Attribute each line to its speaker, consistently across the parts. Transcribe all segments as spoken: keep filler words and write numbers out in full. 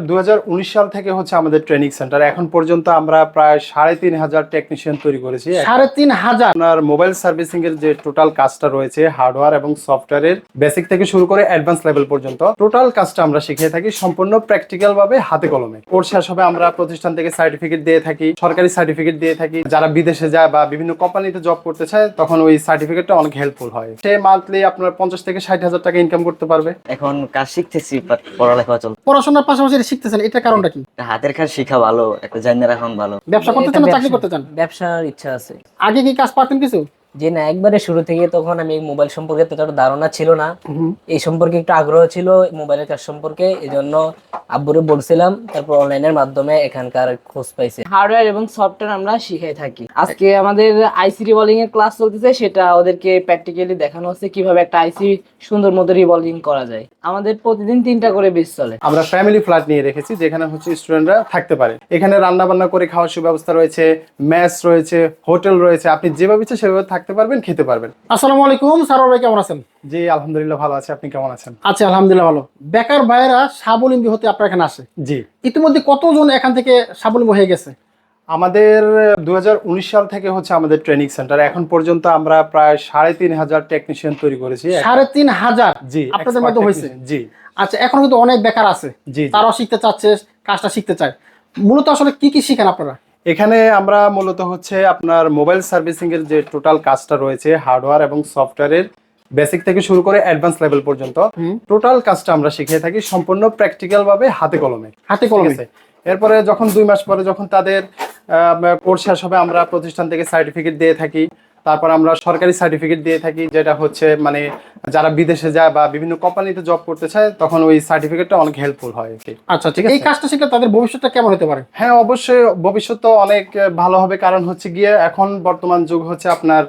Speaker 1: দুই হাজার উনিশ সাল থেকে হচ্ছে আমাদের ট্রেনিং সেন্টার। এখন পর্যন্ত আমরা প্রায় সাড়ে তিন হাজার টেকনিশিয়ান তৈরি করেছি।
Speaker 2: সাড়ে তিন হাজার
Speaker 1: আপনার মোবাইল সার্ভিসিং এর যে টোটাল কাজটা রয়েছে, হার্ডওয়্যার এবং সফটওয়্যারের বেসিক থেকে শুরু করে অ্যাডভান্স লেভেল পর্যন্ত টোটাল কাজটা আমরা শিখিয়ে থাকি সম্পূর্ণ প্র্যাকটিক্যাল ভাবে, হাতে কলমে। কোর্স শেষ হবে আমরা প্রতিষ্ঠান থেকে সার্টিফিকেট দিয়ে থাকি, সরকারি সার্টিফিকেট দিয়ে থাকি। যারা বিদেশে যায় বা বিভিন্ন কোম্পানিতে জব করতে চায় তখন ওই সার্টিফিকেটটা অনেক হেল্পফুল হয়। সে মান্থলি আপনার পঞ্চাশ থেকে ষাট হাজার টাকা ইনকাম করতে পারবে।
Speaker 3: এখন কাজ শিখতেছি, বাট পড়ালেখা চলছে।
Speaker 2: পড়াশোনার পাশাপাশি এটা শিখতেছেন, এটার কারণটা কি?
Speaker 3: হাতের কাজ শিখা ভালো, একটা জানা রাখা ভালো।
Speaker 2: ব্যবসা করতে চান না চাকরি করতে চান?
Speaker 4: ব্যবসার ইচ্ছা আছে।
Speaker 2: আগে কি কাজ পারতেন কিছু?
Speaker 4: যে না, একবারে শুরু থেকে তখন আমি মোবাইল সম্পর্কে ততটা ধারণা ছিল না, এই সম্পর্কে একটু আগ্রহ ছিল মোবাইলের কাজ সম্পর্কে, এই জন্য আব্বুরে বলছিলাম, তারপর অনলাইনের মাধ্যমে এখানকার খোঁজ পাইছি।
Speaker 5: হার্ডওয়্যার এবং সফটওয়্যার আমরা শিখাই থাকি। আজকে আমাদের আইসি রিভলভিং এর ক্লাস চলতেছে, সেটা ওদেরকে প্র্যাকটিক্যালি দেখানো হচ্ছে কিভাবে একটা আইসি সুন্দর মতো রিভলভিং করা যায়। আমাদের প্রতিদিন তিনটা করে বেচ চলে।
Speaker 1: আমরা ফ্যামিলি ফ্ল্যাট নিয়ে রেখেছি যেখানে হচ্ছে স্টুডেন্টরা থাকতে পারে। এখানে রান্না বান্না করে খাওয়ার সুব্যবস্থা রয়েছে, মেস রয়েছে, হোটেল রয়েছে। আপনি যেভাবে ইচ্ছে সেভাবে থাকতে পারবেন, খেতে পারবেন।
Speaker 2: আসসালামু আলাইকুম, সারোয়ার ভাই কেমন আছেন?
Speaker 1: জি আলহামদুলিল্লাহ ভালো আছে, আপনি কেমন আছেন?
Speaker 2: আচ্ছা আলহামদুলিল্লাহ ভালো। বেকার ভাইয়েরা স্বাবলম্বী হতে আপনার এখানে আসে,
Speaker 1: জি।
Speaker 2: ইতিমধ্যে কতজন এখান থেকে স্বাবলম্বী হয়ে গেছে?
Speaker 1: আমাদের দুই হাজার উনিশ সাল থেকে হচ্ছে আমাদের ট্রেনিং সেন্টার। এখন পর্যন্ত আমরা প্রায় সাড়ে তিন হাজার টেকনিশিয়ান তৈরি করেছি।
Speaker 2: সাড়ে তিন হাজার?
Speaker 1: জি,
Speaker 2: আপনাদের মধ্যে হয়েছে?
Speaker 1: জি।
Speaker 2: আচ্ছা, এখন কিন্তু অনেক বেকার আছে,
Speaker 1: জি,
Speaker 2: তারাও শিখতে চাচ্ছে, কাজটা শিখতে চায়। মূলত আসলে কি কি শিখেন আপনারা
Speaker 1: এখানে? আমরা মূলত হচ্ছে আপনার মোবাইল সার্ভিসিং এর যে টোটাল কাজটা রয়েছে, হার্ডওয়্যার এবং সফটওয়্যারের বেসিক থেকে শুরু করে অ্যাডভান্স লেভেল পর্যন্ত টোটাল কাজটা আমরা শিখিয়ে থাকি সম্পূর্ণ প্র্যাকটিক্যাল ভাবে, হাতে কলমে।
Speaker 2: হাতে কলমে।
Speaker 1: এরপরে যখন দুই মাস পরে যখন তাদের কোর্স শেষ হবে আমরা প্রতিষ্ঠান থেকে সার্টিফিকেট দিয়ে থাকি। তারপর আমরা সরকারি সার্টিফিকেট দিয়ে থাকি, যেটা হচ্ছে মানে যারা বিদেশে যায় বা বিভিন্ন কোম্পানিতে জব করতে চায় তখন ওই সার্টিফিকেটটা অনেক হেল্পফুল হয়।
Speaker 2: আচ্ছা ঠিক আছে। এই কাজটা শিখলে তাদের ভবিষ্যৎটা কেমন হতে পারে?
Speaker 1: হ্যাঁ অবশ্যই, ভবিষ্যৎ তো অনেক ভালো হবে। কারণ হচ্ছে গিয়ে এখন বর্তমান যুগ হচ্ছে আপনার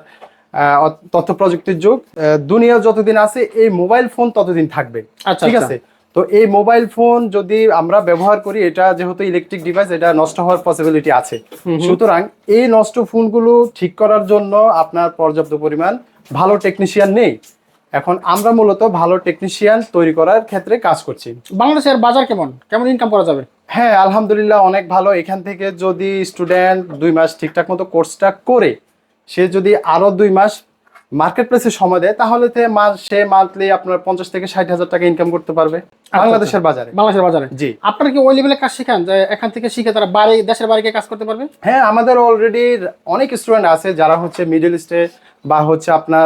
Speaker 1: তথ্য প্রযুক্তির যুগ। দুনিয়া যতদিন আছে এই মোবাইল ফোন ততদিন থাকবে।
Speaker 2: আচ্ছা
Speaker 1: ঠিক আছে। তো এই মোবাইল ফোন যদি আমরা ব্যবহার করি, এটা যেহেতু ইলেকট্রিক ডিভাইস, এটা নষ্ট হওয়ার পসিবিলিটি আছে। সুতরাং এই নষ্ট ফোনগুলো ঠিক করার জন্য আপনার পর্যাপ্ত পরিমাণ ভালো টেকনিশিয়ান নেই। এখন আমরা মূলত ভালো টেকনিশিয়ান তৈরি করার ক্ষেত্রে কাজ করছি।
Speaker 2: বাংলাদেশের বাজার কেমন, কেমন ইনকাম করা যাবে?
Speaker 1: হ্যাঁ আলহামদুলিল্লাহ অনেক ভালো। এখান থেকে যদি স্টুডেন্ট দুই মাস ঠিকঠাক মতো কোর্সটা করে সে যদি আরো দুই মাস মার্কেট প্লেসে সময় দেয় তাহলে সে মান্থলি আপনার পঞ্চাশ থেকে ষাট হাজার টাকা ইনকাম করতে পারবে বাংলাদেশের বাজারে।
Speaker 2: বাংলাদেশের বাজারে? জি। আপনারা কি ওই লেভেলে কাজ শিখান যে এখান থেকে শিখে তারা বাইরে, দেশের বাইরে কাজ করতে পারবে?
Speaker 1: হ্যাঁ আমাদের অলরেডি অনেক স্টুডেন্ট আছে যারা হচ্ছে মিডল ইস্টে বা হচ্ছে আপনার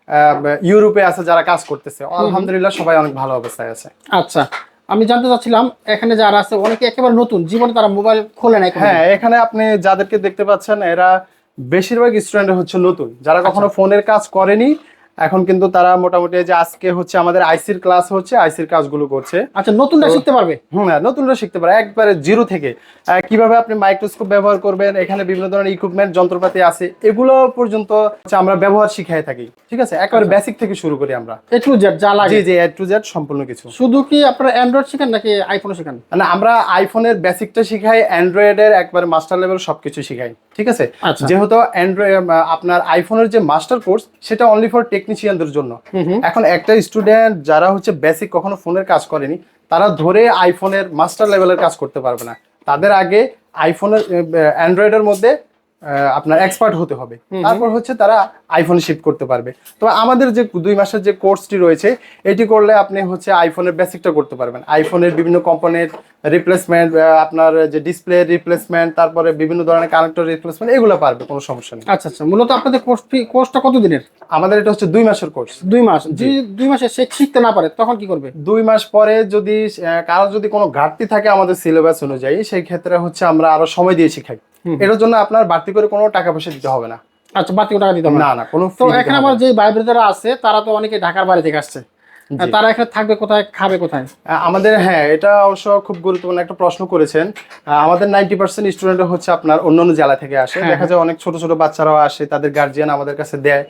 Speaker 1: ইউরোপে আছে যারা কাজ করতেছে। আলহামদুলিল্লাহ সবাই অনেক ভালো অবস্থায় আছে।
Speaker 2: আচ্ছা, আমি জানতে চাচ্ছিলাম এখানে যারা আছে অনেকে একেবারে নতুন, জীবনে তারা মোবাইল খোলে নাই।
Speaker 1: হ্যাঁ এখানে আপনি যাদেরকে দেখতে পাচ্ছেন এরা বেশিরভাগ স্টুডেন্ট হচ্ছে নতুন, যারা কখনো ফোনের কাজ করেনি। এখন কিন্তু তারা মোটামুটি যে আজকে হচ্ছে আমাদের আইসির ক্লাস হচ্ছে, আইসির কাজগুলো করছে।
Speaker 2: আচ্ছা, নতুনরা শিখতে পারবে?
Speaker 1: হুম, নতুনরা শিখতে পারে একবারে জিরো থেকে। কিভাবে আপনি মাইক্রোস্কোপ ব্যবহার করবেন, এখানে বিভিন্ন ধরনের ইকুইপমেন্ট যন্ত্রপাতি আছে, এগুলো পর্যন্ত আমরা ব্যবহার শিখাই থাকি। ঠিক আছে, একবারে বেসিক থেকে শুরু করি আমরা,
Speaker 2: এ টু জেড যা লাগে।
Speaker 1: জি জি, এ টু জেড সম্পূর্ণ কিছু।
Speaker 2: শুধু কি আপনারা অ্যান্ড্রয়েড শিখান নাকি আইফোনও শিখান?
Speaker 1: না, আমরা আইফোনের বেসিকটা শিখাই, অ্যান্ড্রয়েডের একবারে মাস্টার লেভেল সবকিছু শিখাই। ঠিক আছে, যেহেতু অ্যান্ড্রয়েড আপনার আইফোনের যে মাস্টার কোর্স সেটা অনলি ফর টেকনিশিয়ানদের জন্য। এখন একটা স্টুডেন্ট যারা হচ্ছে বেসিক কখনো ফোনের কাজ করেনি তারা ধরে আইফোনের মাস্টার লেভেলের কাজ করতে পারবে না। তাদের আগে আইফোনের অ্যান্ড্রয়েডের মধ্যে আপনার এক্সপার্ট হতে হবে, তারপর হচ্ছে তারা আইফোনে শিফট করতে পারবে। তো আমাদের যে দুই মাসের যে কোর্সটি রয়েছে এটি করলে আপনি হচ্ছে আইফোনের বেসিকটা করতে পারবেন। আইফোনের বিভিন্ন কম্পোনেন্ট রিপ্লেসমেন্ট, আপনার যে ডিসপ্লে রিপ্লেসমেন্ট, তারপরে বিভিন্ন ধরনের কানেক্টর রিপ্লেসমেন্ট, এগুলো পারবে, কোনো সমস্যা নেই।
Speaker 2: আচ্ছা আচ্ছা, মূলত আপনাদের কোর্স ফি কোর্সটা কত দিনের?
Speaker 1: আমাদের এটা হচ্ছে দুই মাসের কোর্স।
Speaker 2: দুই মাস? যদি দুই মাসে সে শিখতে না পারে তখন কি করবে?
Speaker 1: দুই মাস পরে যদি কারো যদি কোনো ঘাটতি থাকে আমাদের সিলেবাস অনুযায়ী, সেই ক্ষেত্রে হচ্ছে আমরা আরো সময় দিয়ে শিখাই। এটার জন্য আপনার বাড়তি করে কোনো টাকা পয়সা দিতে হবে না।
Speaker 2: আচ্ছা, বাড়তি টাকা দিতে হবে
Speaker 1: না? না, কোনো।
Speaker 2: তো এখানে আমার যে ভাই ব্রাদাররা আছে তারা তো অনেকে ঢাকার বাইরে থেকে আসছে, তারা এখানে থাকবে কোথায়, খাবে কোথায়?
Speaker 1: আমাদের, হ্যাঁ এটা অবশ্য খুব গুরুত্বপূর্ণ একটা প্রশ্ন করেছেন। আমাদের নাইনটি পার্সেন্ট স্টুডেন্ট হচ্ছে আপনার অন্য অন্য জেলা থেকে আসে। দেখা যায় অনেক ছোট ছোট বাচ্চারাও আসে, তাদের গার্জিয়ান আমাদের কাছে দেয়।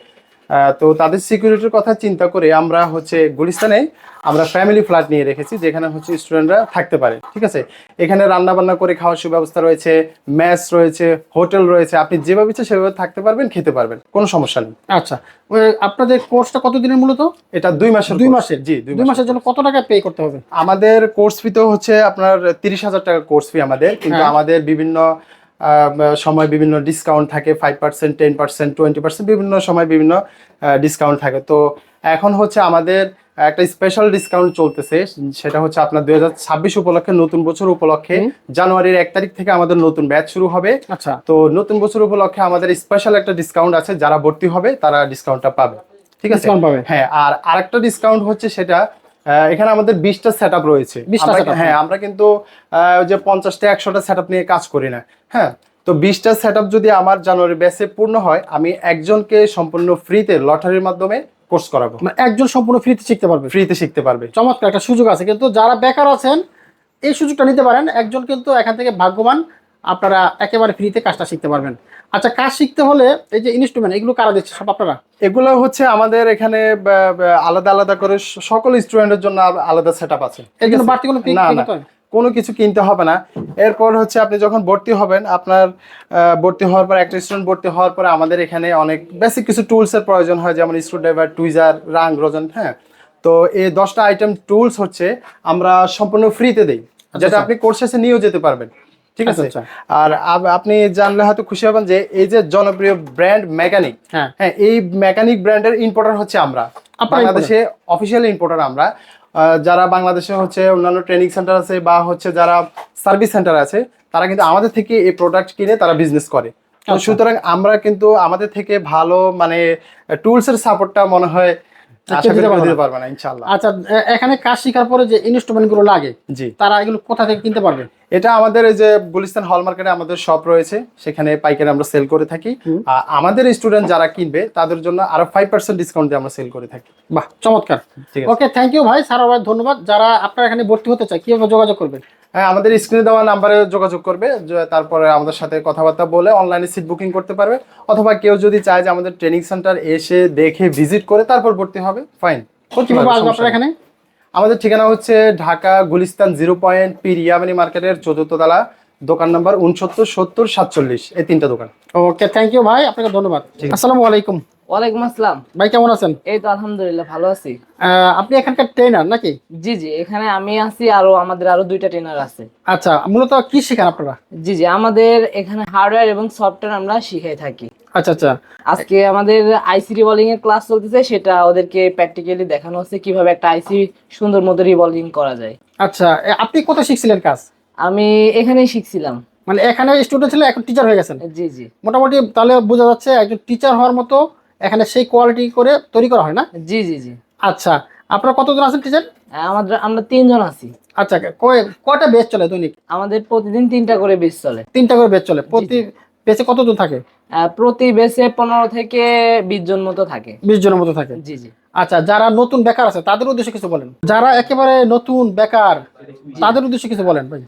Speaker 1: আহ, তো তাদের সিকিউরিটির কথা চিন্তা করে আমরা হচ্ছে গুলিস্তানে আমরা ফ্যামিলি ফ্ল্যাট নিয়ে রেখেছি, যেখানে হচ্ছে স্টুডেন্টরা থাকতে পারে। ঠিক আছে, এখানে রান্না বান্না করে খাওয়ার সুব্যবস্থা রয়েছে, মেস রয়েছে, হোটেল রয়েছে, আপনি যেভাবে ইচ্ছে সেভাবে থাকতে পারবেন, খেতে পারবেন, কোনো সমস্যা নেই।
Speaker 2: আচ্ছা, ওই আপনাদের কোর্সটা কতদিনের মূলত?
Speaker 1: এটা দুই মাসের
Speaker 2: দুই
Speaker 1: course।
Speaker 2: মাসের
Speaker 1: জি,
Speaker 2: দুই মাসের জন্য কত টাকা পে করতে হবে?
Speaker 1: আমাদের কোর্স ফি তো হচ্ছে আপনার তিরিশ হাজার টাকা কোর্স ফি আমাদের, কিন্তু
Speaker 2: হ্যাঁ।
Speaker 1: আমাদের বিভিন্ন আহ, সময় বিভিন্ন ডিসকাউন্ট থাকে, five percent ten percent twenty percent বিভিন্ন সময় বিভিন্ন ডিসকাউন্ট থাকে। তো এখন হচ্ছে আমাদের একটা স্পেশাল ডিসকাউন্ট চলতেছে, সেটা হচ্ছে আপনার দুই হাজার ছাব্বিশ উপলক্ষে, নতুন বছর উপলক্ষে জানুয়ারির এক তারিখ থেকে আমাদের নতুন ব্যাচ শুরু হবে।
Speaker 2: আচ্ছা,
Speaker 1: তো নতুন বছর উপলক্ষে আমাদের স্পেশাল একটা ডিসকাউন্ট আছে, যারা ভর্তি হবে তারা ডিসকাউন্টটা পাবে। ঠিক আছে,
Speaker 2: Discount পাবে।
Speaker 1: হ্যাঁ। আর আরেকটা ডিসকাউন্ট হচ্ছে সেটা আহ, এখানে আমাদের বিশটা সেট আপ রয়েছে।
Speaker 2: বিশটা
Speaker 1: আমরা-
Speaker 2: setup,
Speaker 1: হ্যাঁ, আমরা কিন্তু আহ, ওই যে পঞ্চাশটা একশোটা সেট আপ নিয়ে কাজ করি না। হ্যাঁ, তো বিশটা সেট আপ যদি আমার জানুয়ারি ব্যাচে পূর্ণ হয়, আমি একজনকে সম্পূর্ণ ফ্রিতে লটারির মাধ্যমে কোর্স করাবো।
Speaker 2: মানে একজন সম্পূর্ণ ফ্রিতে শিখতে পারবে।
Speaker 1: ফ্রিতে শিখতে পারবে।
Speaker 2: চমৎকার একটা সুযোগ আছে, কিন্তু যারা বেকার আছেন এই সুযোগটা নিতে পারেন। একজন কিন্তু এখান থেকে ভাগ্যবান, আপনারা একেবারে ফ্রিতে কাজটা শিখতে পারবেন। আচ্ছা, কাজ শিখতে হলে এই যে ইনস্ট্রুমেন্ট এগুলো কারা দিচ্ছে? সব আপনারা?
Speaker 1: এগুলো হচ্ছে আমাদের এখানে বা- বা আলাদা আলাদা করে স- সকল স্টুডেন্টের জন্য আল- আলাদা সেট আপ আছে।
Speaker 2: এর জন্য বাড়তি কোনো fee
Speaker 1: না
Speaker 2: pay
Speaker 1: না,
Speaker 2: করতে হয়?
Speaker 1: কোনো কিছু কিনতে হবে না। এরপর হচ্ছে আপনি যখন ভর্তি হবেন, আপনার আহ, ভর্তি হওয়ার পর একটা স্টুডেন্ট ভর্তি হওয়ার পরে আমাদের এখানে অনেক বেসিক কিছু টুলসের প্রয়োজন হয়, যেমন স্ক্রুড্রাইভার, টুইজার, রাং, রোজন। হ্যাঁ, তো এই দশটা আইটেম টুলস হচ্ছে আমরা সম্পূর্ণ ফ্রিতে দেই, যেটা আপনি কোর্স শেষে নিয়েও যেতে পারবেন। ঠিক আছে,
Speaker 2: আচ্ছা,
Speaker 1: আর আপ- আপনি জানলে হয়তো খুশি হবেন যে এই যে জনপ্রিয় ব্র্যান্ড মেকানিক,
Speaker 2: হ্যাঁ।
Speaker 1: হ্যাঁ, এই মেকানিক ব্র্যান্ডের ইম্পোর্টার হচ্ছে আমরা,
Speaker 2: আপনারা
Speaker 1: বাংলাদেশে অফিসিয়াল ইম্পোর্টার আমরা। আহ, যারা বাংলাদেশে হচ্ছে অন্যান্য ট্রেনিং সেন্টার আছে বা হচ্ছে যারা সার্ভিস সেন্টার আছে, তারা কিন্তু আমাদের থেকে এই প্রোডাক্ট কিনে তারা বিজনেস করে। তো
Speaker 2: আচ্ছা।
Speaker 1: সুতরাং আমরা কিন্তু আমাদের থেকে ভালো মানে টুলস এর সাপোর্টটা মনে হয় আশা করি
Speaker 2: দিতে
Speaker 1: কেউ
Speaker 2: পারবে
Speaker 1: দিতে
Speaker 2: না।
Speaker 1: পারবে না, ইনশাআল্লাহ।
Speaker 2: আচ্ছা, এ- এখানে কাজ শেখার পরে যে ইনস্ট্রুমেন্ট গুলো লাগে,
Speaker 1: জি,
Speaker 2: তারা এগুলো কোথা থেকে কিনতে পারবে?
Speaker 1: এটা আমাদের এই যে গুলিস্তান হল মার্কেটে আমাদের শপ রয়েছে, সেখানে পাইকারি আমরা সেল করে থাকি। আর আমাদের স্টুডেন্ট যারা কিনবে তাদের জন্য আরো ফাইভ পার্সেন্ট ডিসকাউন্ট দিয়ে আমরা সেল করে থাকি।
Speaker 2: বাহ, চমৎকার।
Speaker 1: ঠিক আছে।
Speaker 2: ওকে, থ্যাংক ইউ ভাই, স্যার ভাই, ধন্যবাদ। যারা আপনারা এখানে ভর্তি হতে চায় কিভাবে যোগাযোগ করবে?
Speaker 1: হ্যাঁ, আমাদের স্ক্রিনে দেওয়া নাম্বারে যোগাযোগ করবে, যে- তারপরে আমাদের সাথে কথাবার্তা বলে অনলাইনে সিট বুকিং করতে পারবে, অথবা কেউ যদি চায় যে আমাদের ট্রেনিং সেন্টার এসে দেখে ভিজিট করে তারপর ভর্তি হবে, ফাইন।
Speaker 2: কিভাবে আসবে আপনারা এখানে?
Speaker 1: আমাদের ঠিকানা হচ্ছে ঢাকা গুলিস্তান জিরো পয়েন্ট পি রিয়াবানি মার্কেটের চতুর্থ তলা, দোকান নাম্বার উনসত্তর সত্তর সাতচল্লিশ, এই তিনটা দোকান।
Speaker 2: ওকে, থ্যাংক ইউ ভাই, আপনাকে ধন্যবাদ। আসসালামু আলাইকুম
Speaker 5: ওয়ালাইকুম আসসালাম।
Speaker 2: ভাই, কেমন আছেন?
Speaker 5: এই তো আলহামদুলিল্লাহ ভালো আছি।
Speaker 2: আহ, আপনি এখানকার ট্রেনার নাকি?
Speaker 5: জি জি, এখানে আমি আছি, আরো আমাদের আরো দুইটা ট্রেনার আছে।
Speaker 2: আচ্ছা, মূলত কি শেখান আপনারা?
Speaker 5: জি জি, আমাদের এখানে হার্ডওয়্যার এবং সফটওয়্যার আমরা শিখাই থাকি।
Speaker 2: আচ্ছা আচ্ছা,
Speaker 5: আজকে আমাদের আইসি রিভলভিং এর ক্লাস চলতেছে, সেটা ওদেরকে প্র্যাকটিক্যালি দেখানো হচ্ছে কিভাবে একটা আইসি সুন্দর মতো রিভলভিং করা যায়।
Speaker 2: আচ্ছা, এ, আপনি কোথায় শিখছিলেন কাজ?
Speaker 5: আমি এখানেই শিখছিলাম।
Speaker 2: মানে এখানে স্টুডেন্ট ছিল, এখন টিচার হয়ে গেছেন।
Speaker 5: জি জি
Speaker 2: মোটামুটি তাহলে বোঝা যাচ্ছে একজন টিচার হওয়ার মতো এখানে সেই কোয়ালিটি করে তৈরি করা হয় না?
Speaker 5: জি জি জি।
Speaker 2: আচ্ছা, আপনারা কতজন আছেন টিচার?
Speaker 5: আমাদের আমরা তিনজন আছি।
Speaker 2: আচ্ছা, কয় কয়টা বেচ চলে দৈনিক?
Speaker 5: আমাদের প্রতিদিন তিনটা করে বেচ চলে।
Speaker 2: তিনটা করে বেচ চলে। প্রতি বেচে কতজন থাকে?
Speaker 5: আহ, প্রতি বেচে পনেরো থেকে বিশ জন মতো থাকে।
Speaker 2: বিশ জনের মতো থাকে।
Speaker 5: জি জি।
Speaker 2: আচ্ছা, যারা নতুন বেকার আছে তাদের উদ্দেশ্যে কিছু বলেন। যারা একেবারে নতুন বেকার তাদের উদ্দেশ্যে কিছু বলেন ভাই।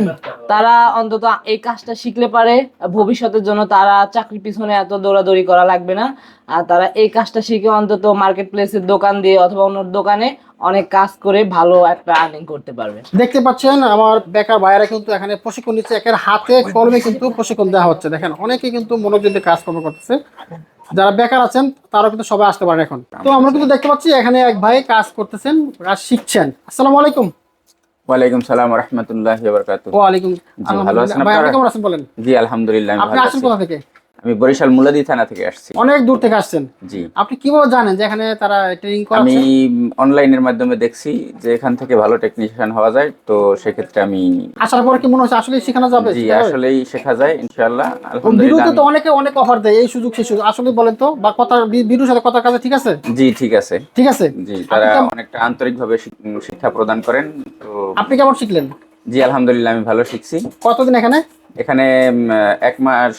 Speaker 5: তারা অন্তত এই কাজটা শিখলে পারে ভবিষ্যতের জন্য তারা চাকরির পিছনে এত দৌড়াদৌড়ি করা লাগবে না। আর তারা এই কাজটা শিখে অন্তত মার্কেট প্লেসের দোকান দিয়ে অথবা অন্য দোকানে অনেক কাজ করে ভালো একটা আর্নিং করতে পারবে।
Speaker 2: দেখতে পাচ্ছেন আমার বেকার ভাইয়েরা কিন্তু এখানে প্রশিক্ষণ নিচ্ছে, একের হাতে কলমে কিন্তু প্রশিক্ষণ দেওয়া হচ্ছে। দেখেন, অনেকে কিন্তু মনোযোগ দিয়ে কাজকর্ম করতেছে। যারা বেকার আছেন তারাও কিন্তু সবাই আসতে পারেন এখন। তো আমরা কিন্তু দেখতে পাচ্ছি এখানে এক ভাই কাজ করতেছেন, কাজ শিখছেন। আসসালামু আলাইকুম।
Speaker 6: ওয়ালাইকুম সালাম ওয়া রাহমাতুল্লাহি ওয়া বারাকাতুহু।
Speaker 2: ওয়ালাইকুম
Speaker 6: জি, ভালো আছেন
Speaker 2: আলহামদুলিল্লাহ। ভাই, আপনি
Speaker 6: আপনারা?
Speaker 2: কেমন আছেন বলেন?
Speaker 6: জি আলহামদুলিল্লাহ আমি
Speaker 2: আপনি
Speaker 6: ভালো
Speaker 2: আসেন
Speaker 6: আছি।
Speaker 2: কোথা থেকে?
Speaker 6: আমি বরিশাল মুলাদি থানা থেকে আসছি।
Speaker 2: অনেক দূর থেকে আসছেন।
Speaker 6: জি,
Speaker 2: আপনি কিভাবে জানেন যে এখানে তারা ট্রেনিং
Speaker 6: আমি
Speaker 2: করাচ্ছে?
Speaker 6: অনলাইনের মাধ্যমে দেখছি যে এখান থেকে ভালো টেকনিশিয়ান হওয়া যায়, তো সেক্ষেত্রে আমি
Speaker 2: আসার পরে কি মনে হচ্ছে আসলে শেখানো যাবে?
Speaker 6: জি
Speaker 2: শেখা যাবে?
Speaker 6: আসলেই শেখা যায় ইনশাআল্লাহ আলহামদুলিল্লাহ।
Speaker 2: ভিডিওতে তো
Speaker 6: আমি-
Speaker 2: অনেকে অনেক অফার দেয়, এই সুযোগ সেই সুযোগ, আসলে বলেন তো, বা কথা ভিডিওর সাথে কথা কাজে ঠিক আছে?
Speaker 6: জি ঠিক আছে।
Speaker 2: ঠিক আছে।
Speaker 6: জি, তারা
Speaker 2: আপনি কেমন-
Speaker 6: অনেকটা আন্তরিকভাবে শিক- শিক্ষা প্রদান করেন। তো
Speaker 2: আপনি কেমন শিখলেন?
Speaker 6: জি আলহামদুলিল্লাহ আমি ভালো শিখছি।
Speaker 2: কতদিন এখানে?
Speaker 6: এখানে উম, এক মাস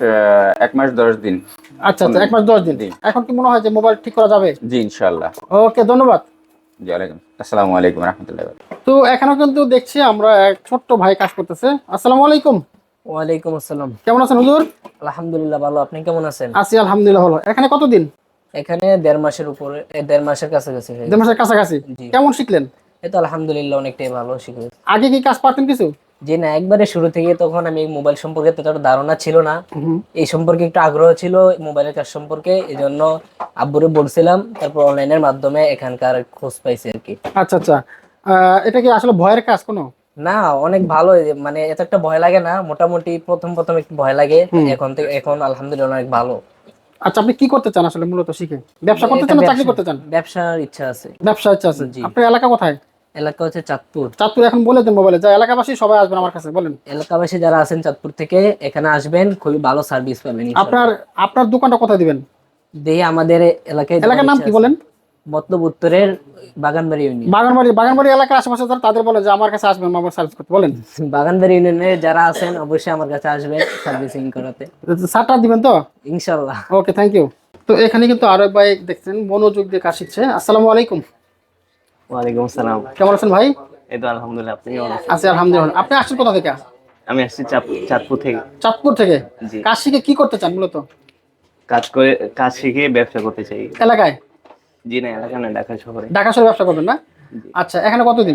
Speaker 6: আহ, এক মাস দশ দিন।
Speaker 2: আচ্ছা আচ্ছা, এক মাস দশ দিন।
Speaker 6: জি।
Speaker 2: এখন কি মনে হয় যে মোবাইল ঠিক করা যাবে?
Speaker 6: জি ইনশাআল্লাহ।
Speaker 2: ওকে, ধন্যবাদ।
Speaker 6: জি ওয়ালাইকুম আসসালামু আলাইকুম ওয়া রাহমাতুল্লাহি ওয়া বারাকাতুহু।
Speaker 2: তো এখানে কিন্তু দেখছি আমরা এক ছোট্ট ভাই কাজ করতেছে। আসসালামু আলাইকুম।
Speaker 4: ওয়ালাইকুম আসসালাম।
Speaker 2: কেমন আছেন হুজুর?
Speaker 4: আলহামদুলিল্লাহ ভালো, আপনি কেমন আছেন?
Speaker 2: আছি আলহামদুলিল্লাহ ভালো। এখানে কতদিন?
Speaker 4: এখানে দেড় মাসের উপরে এ, দেড় মাসের কাছাকাছি হয়ে
Speaker 2: দেড় মাসের কাছাকাছি।
Speaker 4: জি।
Speaker 2: কেমন শিখলেন?
Speaker 4: এই তো আলহামদুলিল্লাহ অনেকটাই ভালো শিখে।
Speaker 2: আগে কি কাজ পারতেন কিছু?
Speaker 4: যে না, একবারে শুরু থেকে তখন আমি মোবাইল সম্পর্কে ততটা ধারণা ছিল না, এই সম্পর্কে একটু আগ্রহ ছিল মোবাইলের কাজ সম্পর্কে, এই জন্য আব্বুরে বলছিলাম, তারপর অনলাইনের মাধ্যমে এখানকার খোঁজ পাইছি আর কি।
Speaker 2: আচ্ছা আচ্ছা, আহ, এটা কি আসলে ভয়ের কাজ কোনো?
Speaker 4: না, অনেক ভালো, মানে এত একটা ভয় লাগে না, মোটামুটি প্রথম প্রথম একটু ভয় লাগে, এখন থেকে এখন আলহামদুলিল্লাহ অনেক ভালো।
Speaker 2: আচ্ছা, আপনি কি করতে চান আসলে মূলত শিখে? ব্যবসা করতে চান না চাকরি করতে চান?
Speaker 4: ব্যবসার ইচ্ছা আছে।
Speaker 2: ব্যবসা ইচ্ছা আছে।
Speaker 4: জি।
Speaker 2: আপনার এলাকা কোথায়?
Speaker 4: এলাকা হচ্ছে চাঁদপুর।
Speaker 2: চাঁদপুর এখন বলে দেন মোবাইলে, যা এলাকাবাসী সবাই আসবেন আমার কাছে, বলেন।
Speaker 4: এলাকাবাসী যারা আছেন চাঁদপুর থেকে এখানে আসবেন, খুবই ভালো সার্ভিস পাবেন ইনশাআল্লাহ।
Speaker 2: আপনার আপনার দোকানটা কোথায় দিবেন?
Speaker 4: দেখি আমাদের এলাকায়
Speaker 2: এলাকার নাম কি বলেন?
Speaker 4: মতলব উত্তরের বাগানবাড়ি ইউনিয়ন।
Speaker 2: বাগানবাড়ি। বাগানবাড়ি এলাকার আশেপাশে যারা তাদের বলে যে আমার কাছে আসবেন মোবাইল সার্ভিস করতে, বলেন।
Speaker 4: বাগানবাড়ি ইউনিয়নে যারা আছেন অবশ্যই আমার কাছে আসবেন সার্ভিসিং করাতে
Speaker 2: সারটা দিবেন তো?
Speaker 4: ইনশাআল্লাহ।
Speaker 2: Okay, thank you. তো এখানে কিন্তু আরো এক ভাই দেখছেন মনোযোগ দিয়ে কাজ শিখছে। আসসালামু আলাইকুম।
Speaker 3: ওয়ালাইকুম আসসালাম।
Speaker 2: কেমন আছেন ভাই?
Speaker 3: এই তো আলহামদুলিল্লাহ, আপনি কেমন আছেন?
Speaker 2: আছি আলহামদুলিল্লাহ। আপনি আসছেন কোথা থেকে?
Speaker 3: আমি আসছি চাঁদ- চাঁদপুর থেকে।
Speaker 2: চাঁদপুর থেকে।
Speaker 3: জি।
Speaker 2: কাজ শিখে কি করতে চান মূলত?
Speaker 3: কাজ করে কাজ শিখে ব্যবসা করতে চাই।
Speaker 2: এলাকায়?
Speaker 3: জি না, এলাকা না, ঢাকা শহরে।
Speaker 2: ঢাকা শহরে ব্যবসা করবেন না? আচ্ছা, এখানে কতদিন?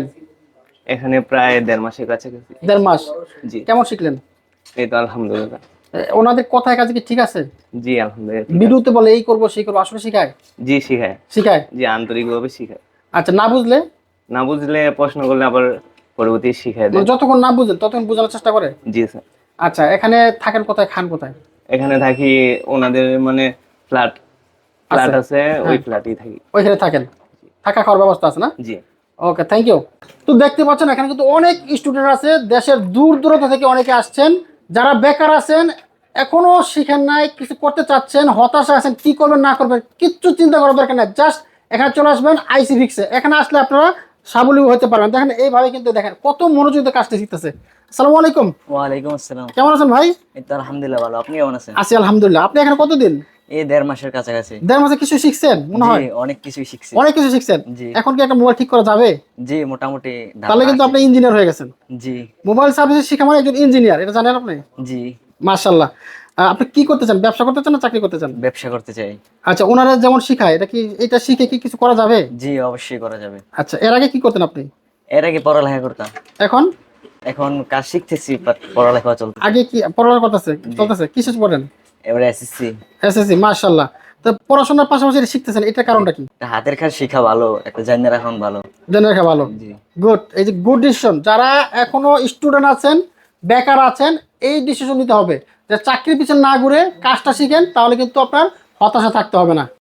Speaker 3: এখানে প্রায় দেড় মাসের কাছাকাছি।
Speaker 2: দেড় মাস।
Speaker 3: জি।
Speaker 2: কেমন শিখলেন?
Speaker 3: এই তো আলহামদুলিল্লাহ।
Speaker 2: এ, ওনাদের কথায় কাজে কি ঠিক আছে?
Speaker 3: জি আলহামদুলিল্লাহ।
Speaker 2: ভিডিওতে বলে এই করবো সেই করবো, আসলে শিখায়?
Speaker 3: জি শিখায়।
Speaker 2: শিখায়।
Speaker 3: জি আন্তরিকভাবে শিখায়।
Speaker 2: আচ্ছা, না বুঝলে?
Speaker 3: না বুঝলে প্রশ্ন করলে আবার পরবর্তী শিখায় দেয়।
Speaker 2: মানে যতক্ষণ না বুঝেন ততক্ষণ বোঝানোর চেষ্টা করে?
Speaker 3: জি স্যার।
Speaker 2: আচ্ছা, এখানে থাকেন কোথায়, খান কোথায়?
Speaker 3: এখানে থাকি ওনাদের মানে ফ্ল্যাট ফ্ল্যাট আছে, ওই ফ্ল্যাটেই থাকি।
Speaker 2: ওইখানে থাকেন, থাকা খাওয়ার ব্যবস্থা আছে না?
Speaker 3: জি।
Speaker 2: Okay, thank you. তো দেখতে পাচ্ছেন এখানে কিন্তু অনেক স্টুডেন্ট আছে, দেশের দূর দূরান্ত থেকে অনেকে আসছেন। যারা বেকার আছেন, এখনো শিখেন নাই, কিছু করতে চাচ্ছেন, হতাশা আছেন, কি করবেন না করবেন কিচ্ছু চিন্তা করার দরকার নাই, জাস্ট এখানে চলে আসবেন আইসি ভিক্সে। এখানে আসলে আপনারা স্বাবলম্বী হতে পারবেন। দেখেন এইভাবে কিন্তু দেখেন কত মনোযোগ দিয়ে কাজটা শিখতেছে। আসসালামু আলাইকুম।
Speaker 3: ওয়ালাইকুম আসসালাম।
Speaker 2: কেমন আছেন ভাই?
Speaker 3: এই তো আলহামদুলিল্লাহ ভালো, আপনি কেমন আছেন?
Speaker 2: আছি আলহামদুলিল্লাহ। আপনি এখানে কতদিন?
Speaker 3: এই দেড় মাসের কাছাকাছি।
Speaker 2: দেড় মাসে কিছু শিখছেন মনে হয়?
Speaker 3: জি, অনেক কিছুই শিখছি।
Speaker 2: অনেক কিছু শিখছেন।
Speaker 3: জি।
Speaker 2: এখন কি একটা মোবাইল ঠিক করা যাবে?
Speaker 3: জি মোটামুটি ধারণা
Speaker 2: তাহলে কিন্তু
Speaker 3: আছে।
Speaker 2: আপনি ইঞ্জিনিয়ার হয়ে গেছেন।
Speaker 3: জি।
Speaker 2: মোবাইল সার্ভিস শিখা মানে একজন ইঞ্জিনিয়ার, এটা জানেন আপনি?
Speaker 3: জি।
Speaker 2: মাশাআল্লাহ। আহ, আপনি কি করতে চান, ব্যবসা করতে চান না চাকরি করতে চান?
Speaker 3: ব্যবসা করতে চাই।
Speaker 2: আচ্ছা, ওনারা যেমন শিখায় এটা কি, এটা শিখে কি কিছু করা যাবে?
Speaker 3: জি অবশ্যই করা যাবে।
Speaker 2: আচ্ছা, এর আগে কি করতেন আপনি?
Speaker 3: এর আগে পড়ালেখা করতাম,
Speaker 2: এখন?
Speaker 3: এখন কাজ শিখতেছি, বাট পড়ালেখা চলতে।
Speaker 2: আগে কি পড়ালেখা করতেছে চলতেছে কিসে পড়েন?
Speaker 3: এবারে এসএসসি।
Speaker 2: এসএসসি। মাশাআল্লাহ। তো পড়াশোনার পাশাপাশি এটা শিখতেছেন, এটার কারণটা কি?
Speaker 3: হাতের কাজ শেখা ভালো, একটা জানিয়ে রাখা ভালো।
Speaker 2: জেনে রাখা ভালো।
Speaker 3: জি।
Speaker 2: গুড। এই যে গুড ডিসিশন। যারা এখনো স্টুডেন্ট আছেন, বেকার আছেন, এই ডিসিশন নিতে হবে যে চাকরির পিছনে না ঘুরে কাজটা শিখেন, তাহলে কিন্তু আপনার হতাশা থাকতে হবে না।